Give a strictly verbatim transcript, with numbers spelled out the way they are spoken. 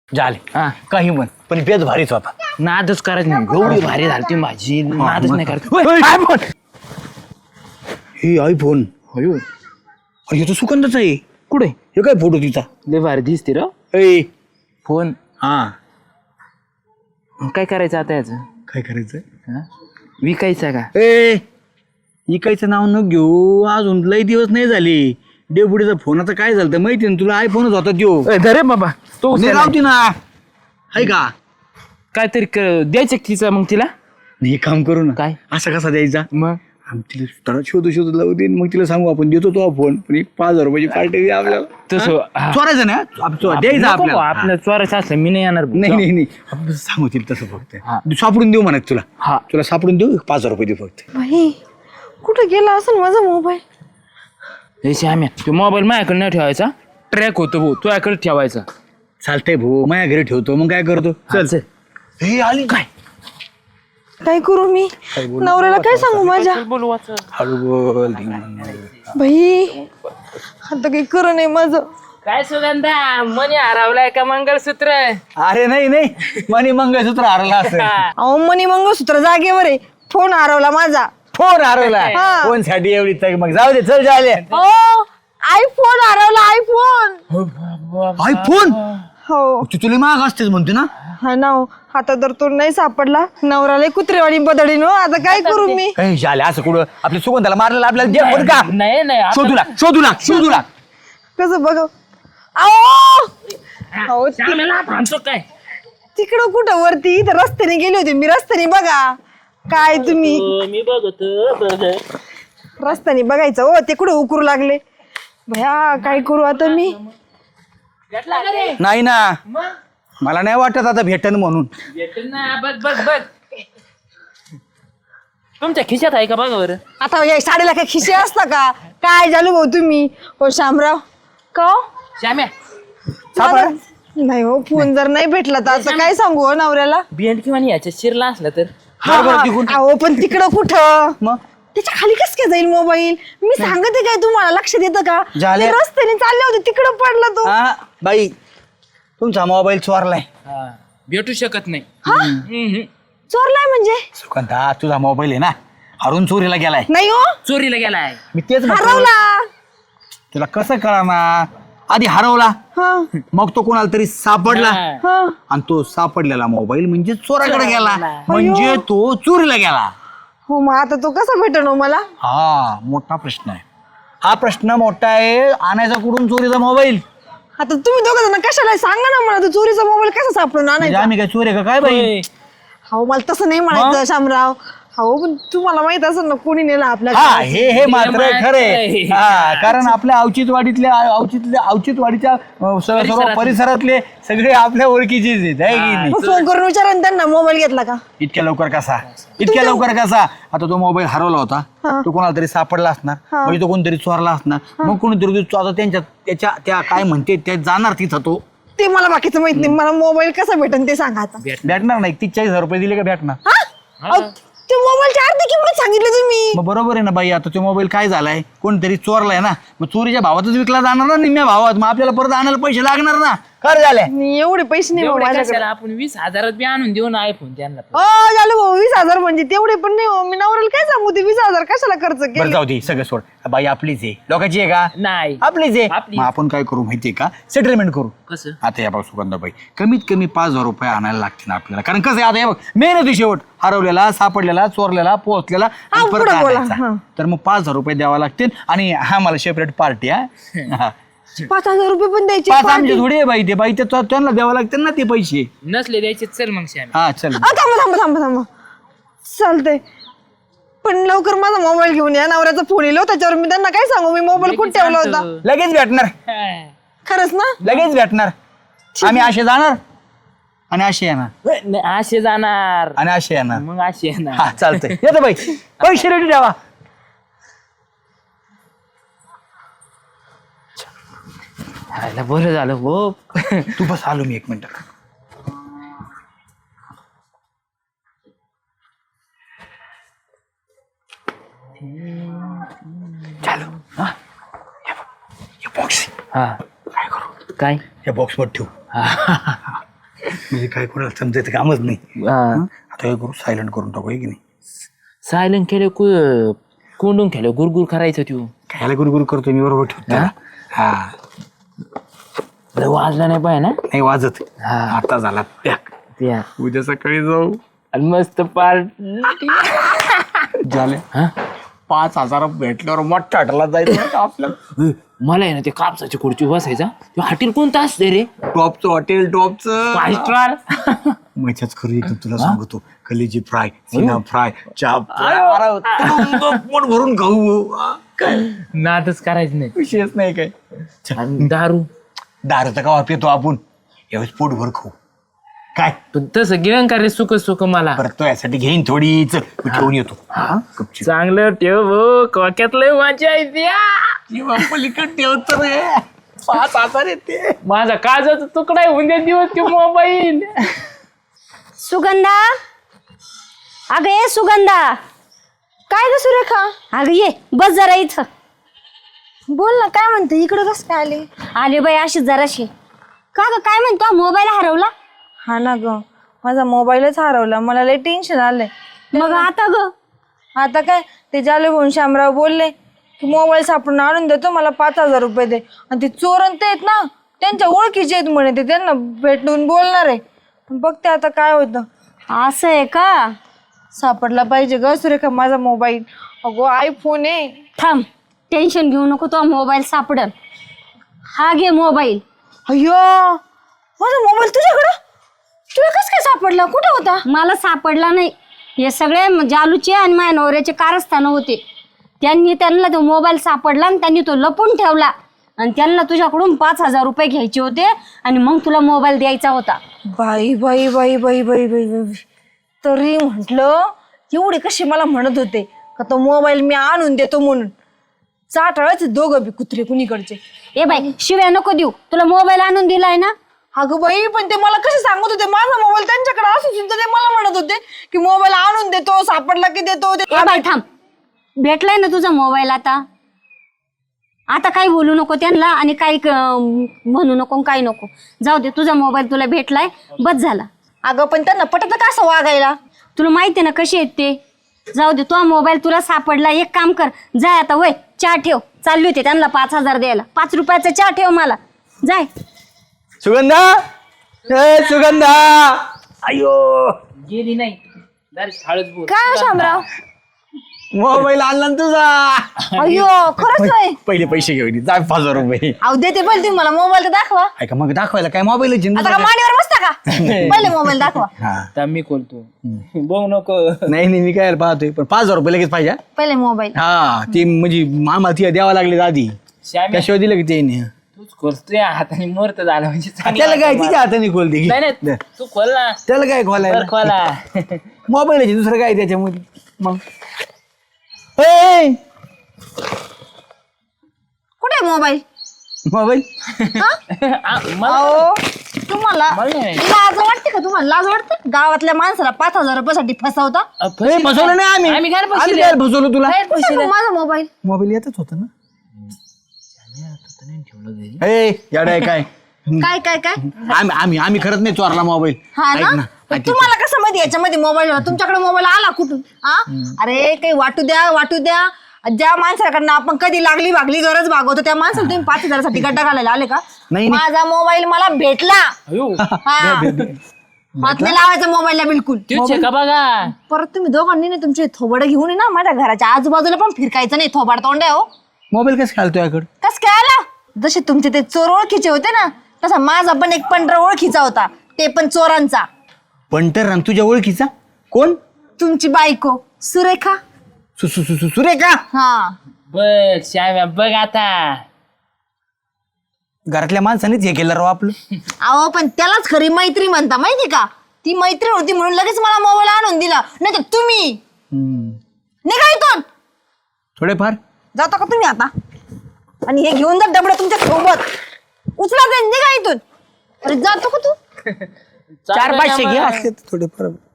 झाले हा काही म्हण पण बेद भारीच होता. नादच करायचं नाही एवढी भारी झाली ती माझी नादच नाही करायचं. आयफोन हे आयफोन अयो अरे हे तर सुगंधाचा आहे. कुठे हे काय फोटो तिचा लय भारी दिसते र ए फोन. हा काय करायचं आता याचं काय करायचं हा? विकायचं का? ए इकायचं नाव न घेऊ अजून लई दिवस नाही झाले. डेपुटीचा फोनाचं काय झालं तर माहिती ना तुला आयफोनच होता त्यो धरे बाबा तो लावती ना आहे का काहीतरी क- द्यायचं का तिचं मग तिला एक काम करू ना काय असा कसा द्यायचा मग आम्ही तिला त्याला शोधू शोधू लावू दे मग तिला सांगू आपण देतो तो फोन पण एक पाच हजार रुपयाची पार्टी दे आपल्याला तसं हा. चोरायचं ना आप- चो- द्यायचं नको आपल्याला भाऊ, आपलं चोरायचं असलं मी नाही येणार नाही नाही नाही आपण सांगू तिला तसं फक्त हा. सापडून देऊ म्हणत तुला हा तुला सापडून देऊ पाच हजार रुपये देऊ फक्त भाई कुठं गेला असेल माझा मोबाईल? हे श्याम्या तो मोबाईल माझ्याकडे नाही ठेवायचा ट्रॅक होतो भाऊ तुझ्याकडे ठेवायचा. चालतंय भाऊ माझ्या घरी ठेवतो मग काय करतो चल चल हे आली काय काय करू मी नवऱ्याला काय सांगू माझ्या? हळू बोल भाई आता काही करू नये माझं. काय सुगंधा मनी हरवलाय का मंगळसूत्र? अरे नाही नाही मनी मंगळसूत्र हरला असं अहो मनी मंगळसूत्र जागेवर आहे, फोन हरवला माझा. फोन हरवला हा. फोन साठी एवढी तग मग जाऊ दे चल झाले ओ आयफोन हरवला आयफोन. आयफोन हो तू तुला माग असतेच म्हणते ना हा ना हो. आता तर तो नाही सापडला नवऱ्याला कुत्रेवाणी बदडीन हो. आता काय करू मी? काही झाले असं कुठं आपल्या सुगंधाला मारलेला आपल्याला दे बरं का नाही नाही आता- शोधूला शोधूला शोधूला कसं बघ अहो अहो ति- श्याम्याला भांडतो काय? तिकडं कुठं वरती इथं रस्त्याने गेले होते मी. रस्त्याने बघा काय तुम्ही हो, मी बघतो बघ. रस्त्याने बघायचं हो. ते कुठं उकरू लागले भया. काय करू आता मी? भेटला का रे? नाही ना मग मला नाही वाटत आता भेटन म्हणून भेटेल ना बघ बघ बघ तुमच्या खिशात आहे का बघा बरं. आता या साडीला काय खिशे असता का? काय झालं भाऊ तुम्ही हो शामराव का हो? श्याम्या माझा- नाही हो फोन जर नाही भेटला तर आता काय सांगू हो नवऱ्याला? बियंड किंवा याच्या शिरला असला तर हा, हा. अहो पण तिकडं कुठं मग त्याच्या खाली कस काय जाईल मोबाईल? मी सांगते काय तुम्हाला लक्ष देतं का? झाले. ते रस्त्याने चालले होते तिकडं पडला तो. हा बाई तुमचा मोबाईल चोरलाय हा, भेटू शकत नाही. हम्म. चोरलाय म्हणजे? सुगंधा तुझा मोबाईल आहे ना हरून चोरीला गेलाय नाही हो चोरीला गेलाय. मी तेच म्हणतो. हरवला. तुला कसं कळा ना आधी हरवला हा मग तो कोणाला तरी सापडला हा. हा आणि तो सापडलेला मोबाईल म्हणजे चोराकडे गेला चोराला. म्हणजे तो चोरीला गेला. हो मग आता तो कसा भेटन हो मला? हा मोठा प्रश्न आहे हा प्रश्न मोठा आहे आणायचा कुठून चोरीचा मोबाईल आता तुम्ही दोघं जण कशाला सांगा ना मला, तो चोरीचा मोबाईल कसा सापडून म्हणजे आणायचा? आम्ही काय चोरी आहे का काय बाई होय. हो मला तसं नाही म्हणायचं शामराव. हो पण तुम्हाला माहित असेल ना कोणी नेला आपल्या हा हे हे मात्र मात्र खरे आहे. हा कारण आपल्या अवचितवाडीतल्या अवचितल्या अवचितवाडीच्या अं, सर्व सर्व परिसरातले. परिसरातले सगळे आपल्या ओळखीचेच आहेत आहे की नाही? मग फोन करून विचारा ना त्यांना मोबाईल घेतला का? इतक्या लवकर कसा इतक्या लवकर कसा आता तो मोबाईल हरवला होता हा. तो कोणाला तरी सापडला असणार हा. म्हणजे तो कोणतरी चोरला असणार मग कोणीतरी तो आता त्यांच्या त्याच्या त्या काय म्हणते त्या जाणार तिथं तो ते मला बाकीचं माहित नाही. मला मोबाईल कसा भेटन ते सांगा आता. भेटणार नाही तीस चाळीस हजार रुपये दिले का भेटणार हा? अहो, ते मोबाईलची अर्धी किंमत सांगितलं तुम्ही. मग बरोबर आहे ना बाई आता तो मोबाईल काय झालाय कोणतरी चोरलाय ना मग चोरीच्या भावातच विकला जाणार ना निम्म्या भावात मग आपल्याला परत आणायला पैसे लागणार ना खरं झालंय मी एवढे पैसे नाही भाऊ एवढे माझ्याकडे. कशाला आपण वीस हजारात बी आणून देऊ ना आयफोन त्यांना. हो झालं भाऊ वीस हजार म्हणजे तेवढे पण नाही हो. मी नवऱ्याला काय सांगू ते वीस हजार कशाला खर्च बरं केले? जाऊ दे सगळं सोड बाई आपलीच आहे लोकांची आहे का नाही आपलीच आहे आपली. मग आपण काय करू माहितीये का सेटलमेंट करू कसं? आता या बघ सुगंधाबाई कमीत कमी पाच हजार रुपये आणायला लागतील ना आपल्याला कारण कसं आहे आता हे बघ मेहनती शेवट हरवलेला सापडलेला चोरलेला पोहोचलेला आणि हा, परत पुढं बोला, आणायचा. हा. तर मग पाच हजार रुपये द्यावा लागतील आणि हा मला सेपरेट पार्टी हा पाच हजार रुपये पण द्यायचे पाच party. आमचे थोडी आहे बाई ते बाई ते तो- त्यांना द्यावं लागतील ना ते पैसे नसले द्यायचे चल मग श्याम्या. हा चल अ, थांबा थांबा थांबा थांबा चालतंय पण लवकर माझा मोबाईल घेऊन या. नवऱ्याचा फोन येलो त्याच्यावर मी त्यांना काय सांगू मी मोबाईल कुठे ठेवला होता? लगेच भेटणार हा. खरंच ना? लगेच भेटणार आम्ही असे जाणार आणि असे येणार नाही, असे जाणार आणि असे येणार मग असे येणार. हा चालतंय येतो बाई पैसे रेडी ठेवा हायला बरं झालं हो. तू बस आलो मी एक मिनिट चालू हा हे बॉक्स हा काय करू काय या बॉक्स मध्ये ठेवू हा. म्हणजे काय कोणाला समजायचं कामच नाही. आता काय करू, सायलेंट करून टाकू, की नाही? सायलेंट केलं कु कोंडून केलं गुरगुर करायचं तू. खायला गुरगुर करतो मी, बरोबर ठेवतो त्याला. हा लय वाजला नाही पाहिजे ना. नाही वाजत. आता झाला पॅक. त्या उद्या सकाळी जाऊ. आणि मस्त पार्ट झाले. हा पाच हजार भेटल्यावर मोठा हॉटेलला जायचं आपल्याला. मला आहे ना ते कापसाची खुर्ची बसायचा. ते हॉटेल कोणतं असते रे? टॉपचं हॉटेल, टॉपचं फाय स्टार. मजाच खरं एकदम तुला सांगतो. कलेजी फ्राय, सिना फ्राय, चाप पोट भरून खाऊ. नादच करायचं नाही. विषयच नाही काय. आणि दारू दारूचा का पितो आपण, यावेळेस पोट भर खाऊ. काय पण तसं गिरण का रे सुख सुख मला. परत तो यासाठी घेईन थोडीच, मी ठेवून येतो. चांगलं ठेव भो, कोक्यात लय मजा येते. पलीकडे ठेवतो रे, पाच हजार येते. माझा काजाचा तुकडा आहे उद्या दिवस ते मोबाईल. सुगंधा, अगं ये सुगंधा. काय ग सुरेखा? अगं ये बस जरा इथं. बोल ना, काय म्हणते? इकडं कसं काय आली? आले बाई अशी जराशी. का ग काय म्हणतो, मोबाईल हरवला? हा ना ग, माझा मोबाईलच हरवला. मला लय टेन्शन आलंय. मग आता ग आता काय, ते जाले भाऊन शामराव बोलले की मोबाईल सापडून आणून देतो, मला पाच हजार रुपये दे. आणि ते चोरण ते आहेत ना, त्यांच्या ओळखीचे आहेत म्हणे, ते त्यांना भेटून बोलणार आहे. बघते आता काय होतं. असं आहे का? सापडला पाहिजे ग सुरेखा माझा मोबाईल. अगो आयफोन आहे. थांब, टेन्शन घेऊ नको, तो मोबाईल सापडल. हा घे मोबाईल. अय्यो, माझा मोबाईल तुझ्याकडं? तुला कसं काय सापडला? कुठं होता? मला सापडला नाही. हे सगळे जालूचे आणि माझ्या नवऱ्याचे कारस्थान होते. त्यांनी त्यांना तो मोबाईल सापडला आणि त्यांनी तो लपून ठेवला. आणि त्यांना तुझ्याकडून पाच हजार रुपये घ्यायचे होते आणि मग तुला मोबाईल द्यायचा होता. बाई बाई बाई बाई बाई बाई बाई तरी म्हटलं, एवढे कसे मला म्हणत होते का तो मोबाईल मी आणून देतो म्हणून. चाटाळच दोघं बी कुत्रे कुणीकडचे. ए बाई शिव्या नको देऊ, तुला मोबाईल आणून दिलाय ना. अगं बाई, पण ते मला कसे सांगत होते माझा मोबाईल त्यांच्याकडे असून सुद्धा ते मला म्हणत होते की मोबाईल आणून देतो, सापडला की देतो. ए बाई थांब, भेटलाय ना तुझा मोबाईल. आता आता काही बोलू नको त्यांना आणि काही म्हणू नको, काही नको. जाऊ दे, तुझा मोबाईल तुला भेटलाय, बस झाला. अगं पण त्यांना पटत का असं वागायला? तुला माहिती ना कशी आहेत ते. जाऊ दे, तो मोबाईल तुला सापडला. एक काम कर, जाय आता, वय चहा ठेव. चालली होती त्यांना पाच हजार द्यायला. पाच रुपयाचा चहा ठेव मला, जाय. सुगंधा, ए सुगंधा, अयो गेली नाही. हळद बोल. काय हो शामराव? मोबाईल आणला ना तुझा. अय्यो, खरंच आहे? पहिले पैसे घेऊन जा, पाच हजार रुपये. अहो देते पहिले तुम्ही मला मोबाईल तर दाखवा. ऐका मग दाखवायला काय मोबाईल आता का मांडीवर बसता का? पहिले मोबाईल दाखवा. आता मी खोलतो. बघ नको. नाही नाही, मी काय पाहतोय, पण पाच हजार रुपये लगेच पाहिजे. पहिले मोबाईल. हा, ती म्हणजे मामा ती द्यावा लागले आधी, श्याम्या, त्याशिवाय दिलं की ते नाही. तूच खोलतोय हाताने मोरत झालं म्हणजे चांगलं. त्याला काय तिच्या हाताने खोलते की. नाही नाही, तू खोल ना. त्याला काय खोलाय, बरं, खोला. मोबाईल आहे दुसरं काय त्याच्यामध्ये. मग ए, कुठे मोबाईल? मोबाईल आ, मला अहो तुम्हाला मला नाही. लाज वाटते का? तुम्हाला लाज वाटते? गावातल्या माणसाला पाच हजार रुपयासाठी फसवता. अ, ए, फसली फसवलं नाही आम्ही. आम्ही काय आम्ही फसले? काय फसवलं तुला? कुठे मग माझा मोबाईल? मोबाईल येतच होता ना. ए याडा आहे काय? काय काय काय? आम्ही आम्ही आम्ही खरंच नाही चोरला मोबाईल. हा ऐक ना, ना, पण ऐक तुम्हाला कसं माहिती याच्यामध्ये मोबाईल? तुमच्याकडे मोबाईल आला कुठून? हा, अरे काही वाटू द्या, वाटू द्या. ज्या माणसाकडनं आपण कधी लागली भागली गरज भागवतो त्या माणसाला तुम्ही पाच हजारासाठी गड्डा घालायला आले का? नाही, नाही. माझा मोबाईल मला भेटला. अयो, हा, हात नाही लावायचा मोबाईलला बिलकुल. तूच आहे का बघा. परत तुम्ही दोघांनी ना तुमचे थोबड घेऊन ये ना, माझ्या घराच्या आजूबाजूला पण फिरकायचं नाही. थोबाड तोंड आहे हो. मोबाईल कसं घालतो याकडे? कस काय आला? जसे तुमचे ते चोर ओळखीचे होते ना, तसा माझा पण एक पंढरा ओळखीचा होता, ते पण चोरांचा. पंटर राम तुझ्या ओळखीचा कोण? तुमची बायको सुरेखा. सु सु सु- सु- सुरेखा. हा, बघ श्याम्या, बघ आता. घरातल्या माणसानेच हे केलं राव आपलं. अहो पण त्यालाच खरी मैत्री म्हणता माहिती का? ती मैत्री होती म्हणून लगेच मला मोबाईल आणून दिला. नाही तर तुम्ही निघा इथून. थोडेफार जाता का तुम्ही आता? आणि हे घेऊन जा डबडं तुमच्या सोबत. उचला ते, निघा इथून. अरे जातो का तू? चार पाचशे घे असते थोडेफार.